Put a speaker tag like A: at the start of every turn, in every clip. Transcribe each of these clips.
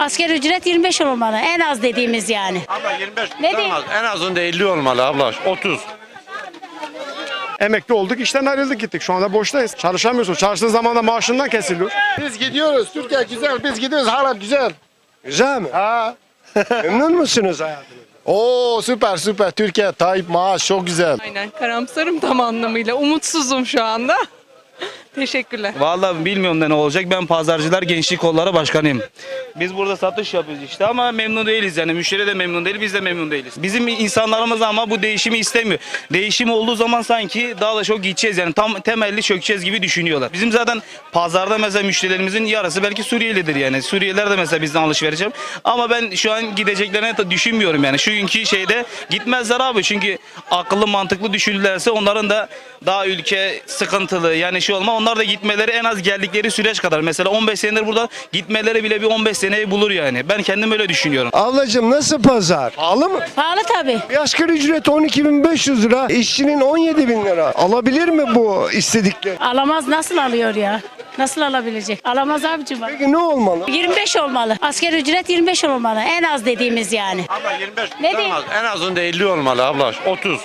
A: Asgari ücret 25 olmalı. En az dediğimiz yani.
B: Abla 25
A: Ne
B: tutamaz. En azında 50 olmalı abla. 30.
C: Emekli olduk, işten ayrıldık gittik. Şu anda boştayız. Çalışamıyorsun. Çalıştığın zaman da maaşından kesiliyor.
D: Biz gidiyoruz. Türkiye güzel. Biz gidiyoruz. Hala güzel.
E: Güzel mi?
D: Ha.
E: Memnun musunuz hayatınızdan?
D: Oo süper süper. Türkiye Tayyip maaş çok güzel.
F: Aynen karamsarım tam anlamıyla. Umutsuzum şu anda. Teşekkürler.
G: Vallahi bilmiyorum da ne olacak. Ben Pazarcılar Gençlik Kolları Başkanıyım. Biz burada satış yapıyoruz işte ama memnun değiliz yani. Müşteri de memnun değil, biz de memnun değiliz. Bizim insanlarımız ama bu değişimi istemiyor. Değişim olduğu zaman sanki daha da çok gideceğiz yani tam temelli çökeceğiz gibi düşünüyorlar. Bizim zaten pazarda mesela müşterilerimizin yarısı belki Suriyelidir yani. Suriyeliler de mesela bizden alışveriş yapıyor. Ama ben şu an gideceklerini de düşünmüyorum yani. Şu günkü şeyde gitmezler abi çünkü akıllı mantıklı düşünürlerse onların da daha ülke sıkıntılı yani şey olma onlar da gitmeleri en az geldikleri süreç kadar. Mesela 15 senedir burada gitmeleri bile bir 15 seneyi bulur yani. Ben kendim öyle düşünüyorum.
E: Ablacığım nasıl pazar? Pahalı mı?
A: Pahalı tabii.
E: Bir asgari ücret 12.500 lira, işçinin 17.000 lira. Alabilir mi bu istedikleri?
A: Alamaz, nasıl alıyor ya? Nasıl alabilecek? Alamaz abicim.
E: Peki ne olmalı?
A: 25 olmalı. Asgari ücret 25 olmalı. En az dediğimiz yani.
B: Abla 25
A: Ne
B: tutamaz. En azında 50 olmalı abla. 30.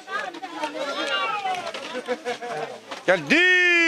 B: Geldi.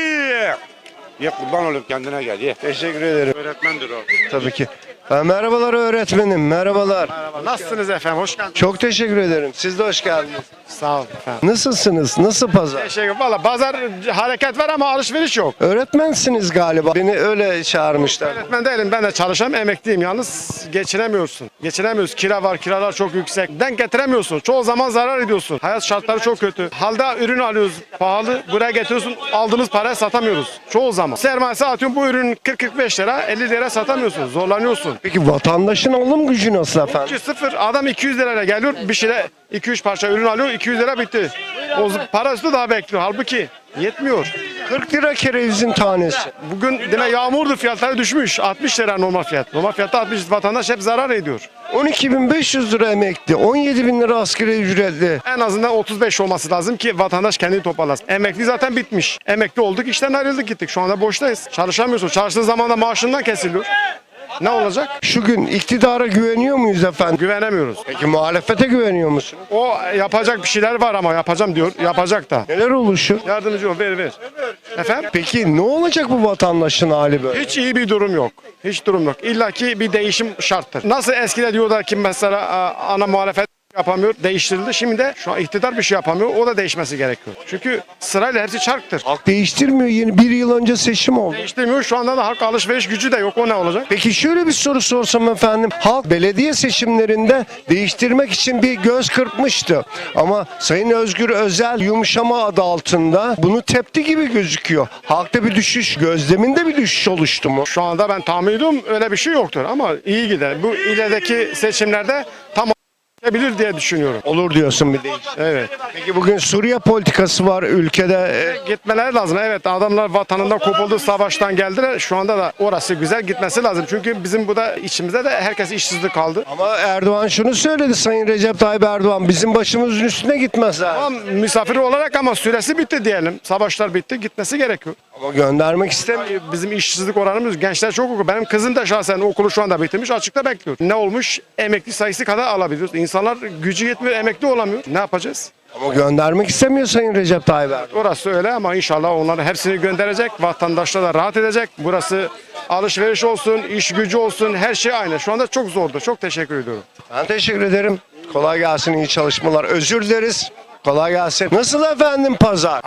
B: Ye kurban olup kendine gel ye.
E: Teşekkür ederim.
B: Öğretmendir o.
E: Tabii ki. Merhabalar öğretmenim, merhabalar.
C: Nasılsınız efendim? Hoş geldiniz.
E: Çok teşekkür ederim. Siz de hoş geldiniz.
C: Sağ olun efendim.
E: Nasılsınız? Nasıl pazar?
C: Teşekkür. Valla pazar hareket var ama alışveriş yok.
E: Öğretmensiniz galiba. Beni öyle çağırmışlar.
C: Öğretmen değilim. Ben de çalışam, emekliyim. Yalnız geçinemiyorsun. Geçinemiyoruz. Kira var, kiralar çok yüksek. Denk getiremiyorsun. Çoğu zaman zarar ediyorsun. Hayat şartları çok kötü. Halde ürün alıyoruz pahalı. Buraya getiriyorsun. Aldığımız paraya satamıyoruz. Çoğu zaman. Sermayesi atıyorum bu ürün 40-45 lira, 50 lira satamıyorsun. Zorlanıyorsun.
E: Peki vatandaşın alım gücü nasıl efendim?
C: 2-0 adam 200 lirayla geliyor. Bir şeyle 2-3 parça ürün alıyor. 200 lira bitti. O parası daha bekliyor. Halbuki yetmiyor.
E: 40 lira kerevizin tanesi.
C: Bugün yine yağmurdu, fiyatları düşmüş. 60 lira normal fiyat. Normal fiyatta 60, vatandaş hep zarar ediyor.
E: 12.500 lira emekli, 17.000 lira asgari ücretli.
C: En azından 35 olması lazım ki vatandaş kendini toparlasın. Emekli zaten bitmiş. Emekli olduk, işten ayrıldık gittik. Şu anda boştayız. Çalışamıyorsun. Çalıştığın zaman da maaşından kesiliyor. Ne olacak?
E: Şu gün iktidara güveniyor muyuz efendim?
C: Güvenemiyoruz.
E: Peki muhalefete güveniyor musunuz?
C: O yapacak bir şeyler var ama yapacağım diyor. Yapacak da.
E: Neler oluşur?
C: Yardımcı ol, ver. Efendim?
E: Peki ne olacak bu vatandaşın hali böyle?
C: Hiç iyi bir durum yok. Hiç durum yok. İlla ki bir değişim şarttır. Nasıl eskide diyorlar ki mesela ana muhalefet yapamıyor, değiştirildi. Şimdi de şu an iktidar bir şey yapamıyor. O da değişmesi gerekiyor. Çünkü sırayla hepsi çarktır.
E: Halk değiştirmiyor. Yeni bir yıl önce seçim oldu.
C: Değiştirmiyor. Şu anda da halk alışveriş gücü de yok. O ne olacak?
E: Peki şöyle bir soru sorsam efendim. Halk belediye seçimlerinde değiştirmek için bir göz kırpmıştı. Ama Sayın Özgür Özel yumuşama adı altında bunu tepti gibi gözüküyor. Halkta bir düşüş, gözleminde bir düşüş oluştu mu?
C: Şu anda ben tahmin ediyorum öyle bir şey yoktur. Ama iyi gider. Bu ilerideki seçimlerde tam bilir diye düşünüyorum.
E: Olur diyorsun bir değiş.
C: Evet.
E: Peki bugün Suriye politikası var ülkede.
C: Gitmeleri lazım. Evet, adamlar vatanından kopuldu, savaştan geldiler. Şu anda da orası güzel, gitmesi lazım. Çünkü bizim burada içimizde de herkes işsizlik kaldı.
E: Ama Erdoğan şunu söyledi, Sayın Recep Tayyip Erdoğan, bizim başımızın üstüne gitmezler.
C: Ama misafir olarak ama süresi bitti diyelim. Savaşlar bitti, gitmesi gerekiyor.
E: Ama göndermek istemiyor.
C: Bizim işsizlik oranımız, gençler çok okuyor. Benim kızım da şahsen okulu şu anda bitirmiş, açıkta bekliyor. Ne olmuş? Emekli sayısı kadar alabiliyoruz. İnsanlar gücü yetmiyor, emekli olamıyor. Ne yapacağız?
E: Ama göndermek istemiyor Sayın Recep Tayyip Erdoğan.
C: Orası öyle ama inşallah onların hepsini gönderecek. Vatandaşlar da rahat edecek. Burası alışveriş olsun, iş gücü olsun, her şey aynı. Şu anda çok zordu. Çok teşekkür ediyorum.
E: Ben teşekkür ederim. Kolay gelsin, iyi çalışmalar. Özür dileriz. Kolay gelsin. Nasıl efendim pazar?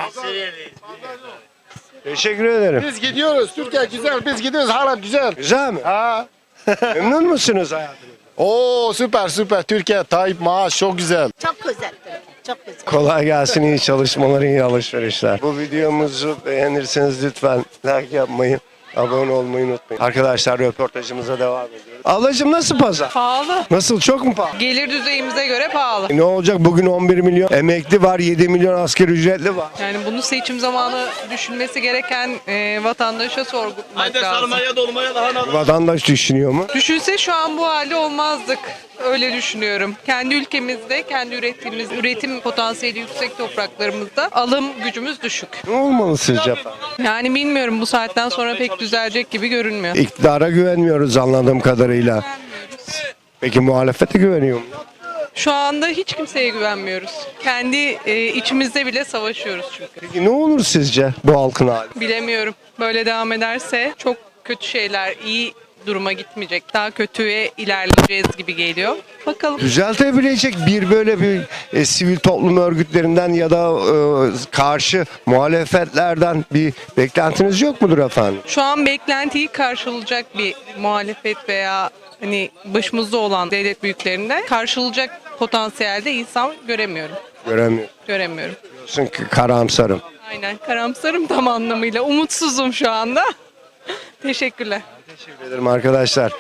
E: Teşekkür ederim.
D: Biz gidiyoruz. Türkiye güzel. Biz gidiyoruz. Hala güzel.
E: Güzel mi?
D: Ha.
E: Memnun musunuz hayatınızdan?
D: Oo süper süper. Türkiye Tayyip maaş çok güzel.
H: Çok güzel. Çok güzel.
E: Kolay gelsin, iyi çalışmalar, iyi alışverişler. Bu videomuzu beğenirseniz lütfen like yapmayı, abone olmayı unutmayın. Arkadaşlar röportajımıza devam ediyoruz. Ablacığım nasıl pazar?
F: Pahalı.
E: Nasıl, çok mu pahalı?
F: Gelir düzeyimize göre pahalı.
E: Ne olacak, bugün 11 milyon emekli var, 7 milyon asgari ücretli var.
F: Yani bunu seçim zamanı düşünmesi gereken vatandaşa sormak
G: Haydi
F: lazım.
G: sarmaya dolmaya daha
E: Vatandaş düşünüyor mu?
F: Düşünse şu an bu halde olmazdık. Öyle düşünüyorum. Kendi ülkemizde, kendi ürettiğimiz, üretim potansiyeli yüksek topraklarımızda alım gücümüz düşük.
E: Ne olmalı sizce efendim?
F: Yani bilmiyorum bu saatten sonra pek düzelecek gibi görünmüyor.
E: İktidara güvenmiyoruz anladığım kadarıyla. Peki muhalefete güveniyor mu?
F: Şu anda hiç kimseye güvenmiyoruz. Kendi içimizde bile savaşıyoruz çünkü.
E: Peki ne olur sizce bu halkın hali?
F: Bilemiyorum. Böyle devam ederse çok kötü şeyler, iyi duruma gitmeyecek. Daha kötüye ilerleyeceğiz gibi geliyor. Bakalım.
E: Düzeltebilecek böyle bir sivil toplum örgütlerinden ya da karşı muhalefetlerden bir beklentiniz yok mudur efendim?
F: Şu an beklentiyi karşılayacak bir muhalefet veya hani başımızda olan devlet büyüklerinde karşılayacak potansiyelde insan göremiyorum. Göremiyorum.
E: Diyorsun ki karamsarım.
F: Aynen, karamsarım tam anlamıyla. Umutsuzum şu anda. Teşekkürler.
E: Teşekkür ederim arkadaşlar.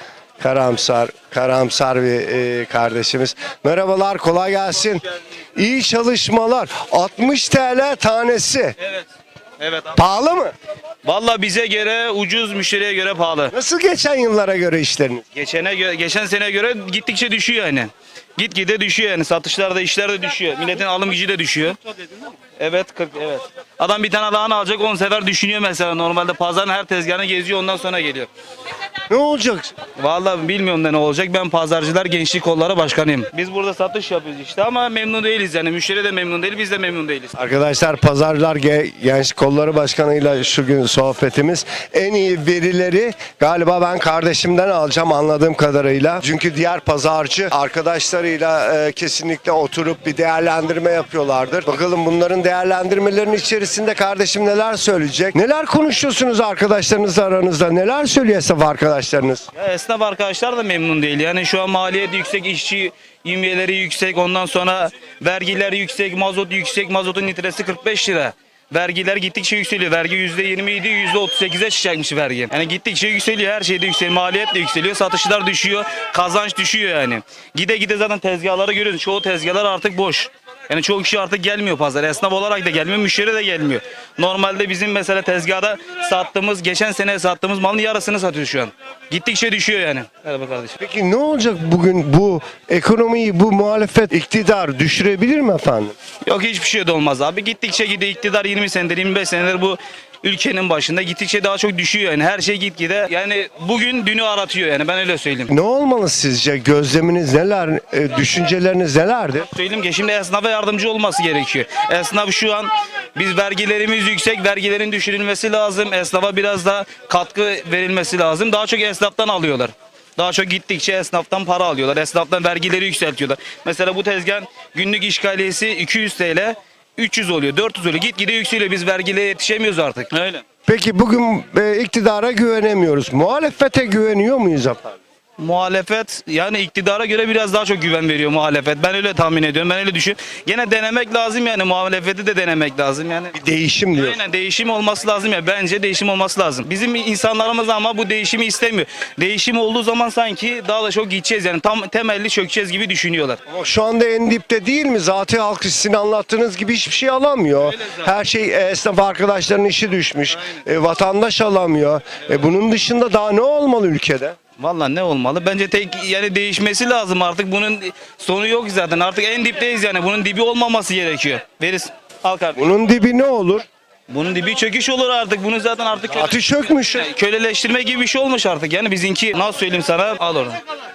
E: Karamsar bir kardeşimiz. Merhabalar, kolay gelsin. İyi çalışmalar. 60 TL tanesi.
G: Evet.
E: Pahalı mı?
G: Valla bize göre ucuz, müşteriye göre pahalı.
E: Nasıl geçen yıllara göre işleriniz?
G: Geçen sene göre gittikçe düşüyor yani. Gitgide düşüyor yani. Satışlarda, işlerde düşüyor. Milletin alım gücü de düşüyor. Evet, 40 evet. Adam bir tane lahana alacak 10 sefer düşünüyor mesela. Normalde pazarın her tezgahını geziyor, ondan sonra geliyor.
E: Ne olacak?
G: Vallahi bilmiyorum da ne olacak. Ben Pazarcılar Gençlik Kolları Başkanıyım. Biz burada satış yapıyoruz işte ama memnun değiliz yani. Müşteri de memnun değil, biz de memnun değiliz.
E: Arkadaşlar Pazarlar Gençlik Kolları Başkanı'yla şu gün sohbetimiz. En iyi verileri galiba ben kardeşimden alacağım anladığım kadarıyla. Çünkü diğer pazarcı arkadaşlarıyla kesinlikle oturup bir değerlendirme yapıyorlardır. Bakalım bunların değerlendirmelerinin içerisinde kardeşim neler söyleyecek? Neler konuşuyorsunuz arkadaşlarınızla aranızda? Neler söylüyor esnaf arkadaşlarınız?
G: Ya esnaf arkadaşlar da memnun değil. Yani şu an maliyet yüksek, işçi yevmiyeleri yüksek, ondan sonra vergiler yüksek, mazot yüksek, mazotun litresi 45 lira. Vergiler gittikçe yükseliyor. Vergi %20 idi, %38'e çıkacakmış vergi. Yani gittikçe yükseliyor, her şeyde yükseliyor. Maliyet de yükseliyor, satışlar düşüyor, kazanç düşüyor yani. Gide gide zaten tezgahları görüyoruz. Çoğu tezgahlar artık boş. Yani çoğu kişi artık gelmiyor pazara. Esnaf olarak da gelmiyor, müşteri de gelmiyor. Normalde bizim mesela tezgahda geçen sene sattığımız malın yarısını satıyoruz şu an. Gittikçe düşüyor yani. Merhaba kardeşim.
E: Peki ne olacak bugün bu ekonomiyi, bu muhalefet iktidar düşürebilir mi efendim?
G: Yok, hiçbir şey de olmaz abi. Gittikçe gidiyor iktidar 20 senedir, 25 senedir bu ülkenin başında. Gittikçe daha çok düşüyor yani. Her şey gitgide. Yani bugün dünü aratıyor yani, ben öyle söyleyeyim.
E: Ne olmalı sizce? Gözleminiz neler? Düşünceleriniz nelerdir?
G: Söyleyeyim ki şimdi esnafa yardımcı olması gerekiyor. Esnaf şu an biz vergilerimiz yüksek, vergilerin düşürülmesi lazım. Esnafa biraz da katkı verilmesi lazım. Daha çok esnaftan alıyorlar. Daha çok gittikçe esnaftan para alıyorlar. Esnaftan vergileri yükseltiyorlar. Mesela bu tezgahın günlük işgaliyesi 200 TL, 300 oluyor, 400 oluyor. Gitgide yükseliyor. Biz vergilere yetişemiyoruz artık. Öyle.
E: Peki bugün iktidara güvenemiyoruz. Muhalefete güveniyor muyuz efendim?
G: Muhalefet yani iktidara göre biraz daha çok güven veriyor muhalefet. Ben öyle tahmin ediyorum. Ben öyle düşünüyorum. Gene denemek lazım yani, muhalefeti de denemek lazım yani.
E: Bir değişim diyor.
G: Aynen, değişim olması lazım ya. Bence değişim olması lazım. Bizim insanlarımız ama bu değişimi istemiyor. Değişim olduğu zaman sanki daha da çok gideceğiz yani. Tam temelli çökeceğiz gibi düşünüyorlar.
E: Ama şu anda en dipte değil mi? Zaten halk sizin anlattığınız gibi hiçbir şey alamıyor. Her şey esnaf arkadaşların işi düşmüş. Vatandaş alamıyor. Bunun dışında daha ne olmalı ülkede?
G: Vallahi ne olmalı? Bence tek yani değişmesi lazım artık. Bunun sonu yok zaten. Artık en dipteyiz yani. Bunun dibi olmaması gerekiyor. Verirsin. Al kardeşim.
E: Bunun dibi ne olur?
G: Bunun dibi çöküş olur artık. Bunu zaten artık
E: Atı çökmüş.
G: köleleştirme gibi bir şey olmuş artık. Yani bizimki nasıl söyleyeyim sana? Al oradan.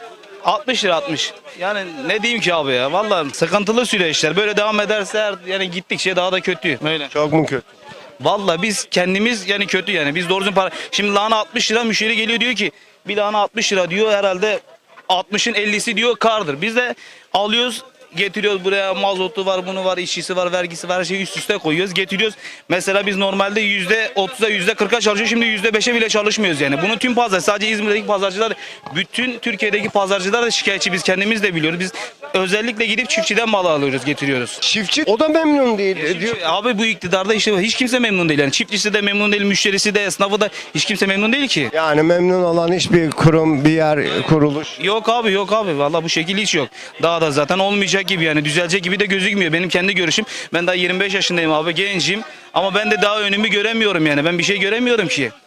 G: 60 lira 60. Yani ne diyeyim ki abi ya? Vallahi sıkıntılı süreçler. Böyle devam ederse yani gittikçe daha da kötü. Öyle.
E: Çok mu kötü?
G: Vallahi biz kendimiz yani kötü yani. Biz doğru düzgün para. Şimdi lahana 60 lira, müşteri geliyor diyor ki bir lahana 60 lira diyor, herhalde 60'ın 50'si diyor kardır. Biz de alıyoruz, getiriyoruz buraya, mazotu var, bunu var, işçisi var, vergisi var, her şeyi üst üste koyuyoruz, getiriyoruz. Mesela biz normalde %30'a %40'a çalışıyoruz, şimdi %5'e bile çalışmıyoruz yani. Bunu tüm pazar, sadece İzmir'deki pazarcılar, bütün Türkiye'deki pazarcılar da şikayetçi, biz kendimiz de biliyoruz. Biz özellikle gidip çiftçiden mal alıyoruz, getiriyoruz.
E: Çiftçi o da memnun değil. Diyor.
G: Abi bu iktidarda işte hiç kimse memnun değil yani. Çiftçisi de memnun değil, müşterisi de, esnafı da, hiç kimse memnun değil ki.
E: Yani memnun olan hiçbir kurum, bir yer, kuruluş.
G: Yok abi vallahi bu şekil hiç yok. Daha da zaten olmayacak gibi yani, düzelecek gibi de gözükmüyor. Benim kendi görüşüm. Ben daha 25 yaşındayım abi, gencim ama ben de daha önümü göremiyorum yani. Ben bir şey göremiyorum ki.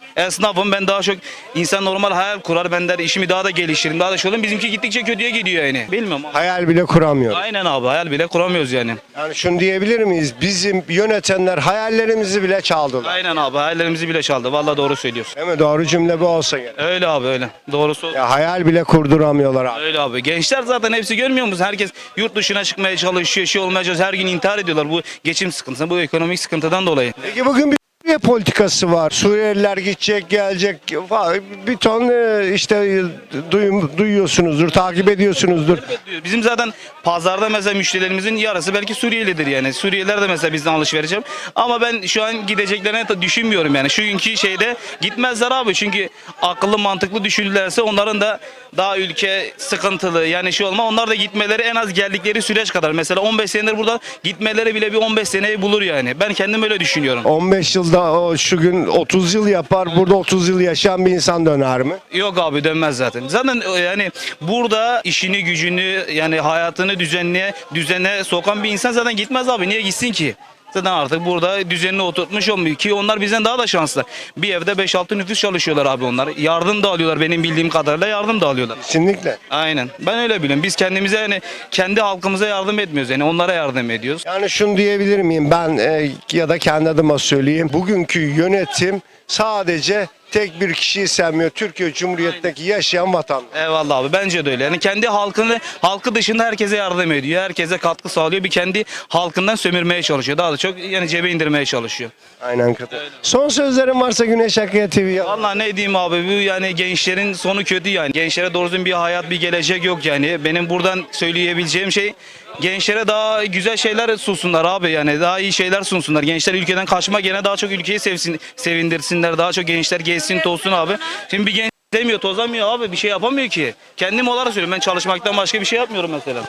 G: Esnafım, ben daha çok insan normal hayal kurar. Ben der işimi daha da geliştiririm, daha da şey olayım. Bizimki gittikçe kötüye gidiyor yani. Bilmiyorum ama.
E: Hayal bile kuramıyor.
G: Aynen abi, hayal bile kuramıyoruz yani.
E: Yani şunu diyebilir miyiz? Bizim yönetenler hayallerimizi bile çaldılar.
G: Aynen abi, hayallerimizi bile çaldı. Vallahi doğru söylüyorsun.
E: Değil mi? Doğru cümle bu olsa gerek.
G: Öyle abi, öyle. Doğrusu
E: Ya hayal bile kurduramıyorlar abi.
G: öyle abi. Gençler zaten hepsi görmüyor musun? Herkes yurt dışına çıkmaya çalışıyor, şey olmaya çalışıyor. Her gün intihar ediyorlar bu geçim sıkıntısı, bu ekonomik sıkıntıdan dolayı.
E: Peki bugün bir Suriye politikası var. Suriyeliler gidecek, gelecek. Bir ton işte duyuyorsunuzdur, takip ediyorsunuzdur.
G: Bizim zaten pazarda mesela müşterilerimizin yarısı belki Suriyelidir yani. Suriyeliler de mesela bizden alışveriş yapıyor. Ama ben şu an gideceklerini düşünmüyorum yani. Şu günkü şeyde gitmezler abi. Çünkü akıllı mantıklı düşünürlerse onların da daha ülke sıkıntılı yani şey olma. Onlar da gitmeleri en az geldikleri süreç kadar. Mesela 15 senedir burada gitmeleri bile bir 15 seneyi bulur yani. Ben kendim öyle düşünüyorum.
E: 15 yılda o şu gün 30 yıl yapar. Burada 30 yıl yaşayan bir insan döner mi?
G: Yok abi, dönmez zaten. Zaten yani burada işini gücünü yani hayatını düzene sokan bir insan zaten gitmez abi. Niye gitsin ki? Zaten artık burada düzenini oturtmuş olmuyor ki onlar bizden daha da şanslı. Bir evde 5-6 nüfus çalışıyorlar abi onlar. Yardım da alıyorlar, benim bildiğim kadarıyla yardım da alıyorlar.
E: Kesinlikle.
G: Aynen. Ben öyle biliyorum. Biz kendimize yani kendi halkımıza yardım etmiyoruz. Yani onlara yardım ediyoruz.
E: Yani şunu diyebilir miyim ben ya da kendi adıma söyleyeyim. Bugünkü yönetim sadece tek bir kişiyi sevmiyor. Türkiye Cumhuriyeti'ndeki yaşayan vatandaş.
G: Eyvallah abi, bence de öyle. Yani kendi halkı dışında herkese yardım ediyor. Herkese katkı sağlıyor. Bir kendi halkından sömürmeye çalışıyor. Daha da çok yani cebe indirmeye çalışıyor.
E: Aynen kadar. Son sözlerin varsa Güneş Akıya TV'ye.
G: Vallahi ne diyeyim abi, bu yani gençlerin sonu kötü yani. Gençlere doğru düzgün bir hayat, bir gelecek yok yani. Benim buradan söyleyebileceğim şey, gençlere daha güzel şeyler sunsunlar abi, yani daha iyi şeyler sunsunlar. Gençler ülkeden kaçma, gene daha çok ülkeyi sevindirsinler. Daha çok gençler gezsin tozsun abi. Şimdi bir genç demiyor, tozamıyor abi, bir şey yapamıyor ki. Kendim olarak söylüyorum, ben çalışmaktan başka bir şey yapmıyorum mesela.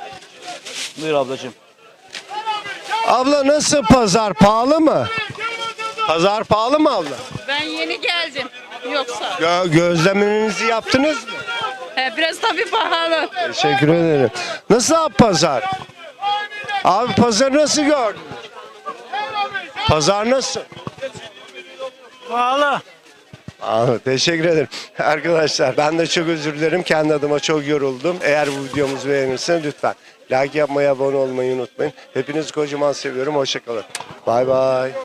G: Buyur ablacığım.
E: Abla nasıl pazar? Pahalı mı? Pazar pahalı mı abla?
H: Ben yeni geldim. Yoksa.
E: Gözlemlerinizi yaptınız mı?
H: Biraz tabii pahalı.
E: Teşekkür ederim. Nasıl abi pazar? Abi pazar nasıl gördün? Pazar nasıl?
G: Pahalı.
E: Teşekkür ederim. Arkadaşlar ben de çok özür dilerim. Kendi adıma çok yoruldum. Eğer bu videomuzu beğenirseniz lütfen like yapmayı, abone olmayı unutmayın. Hepinizi kocaman seviyorum. Hoşça kalın. Bay bay.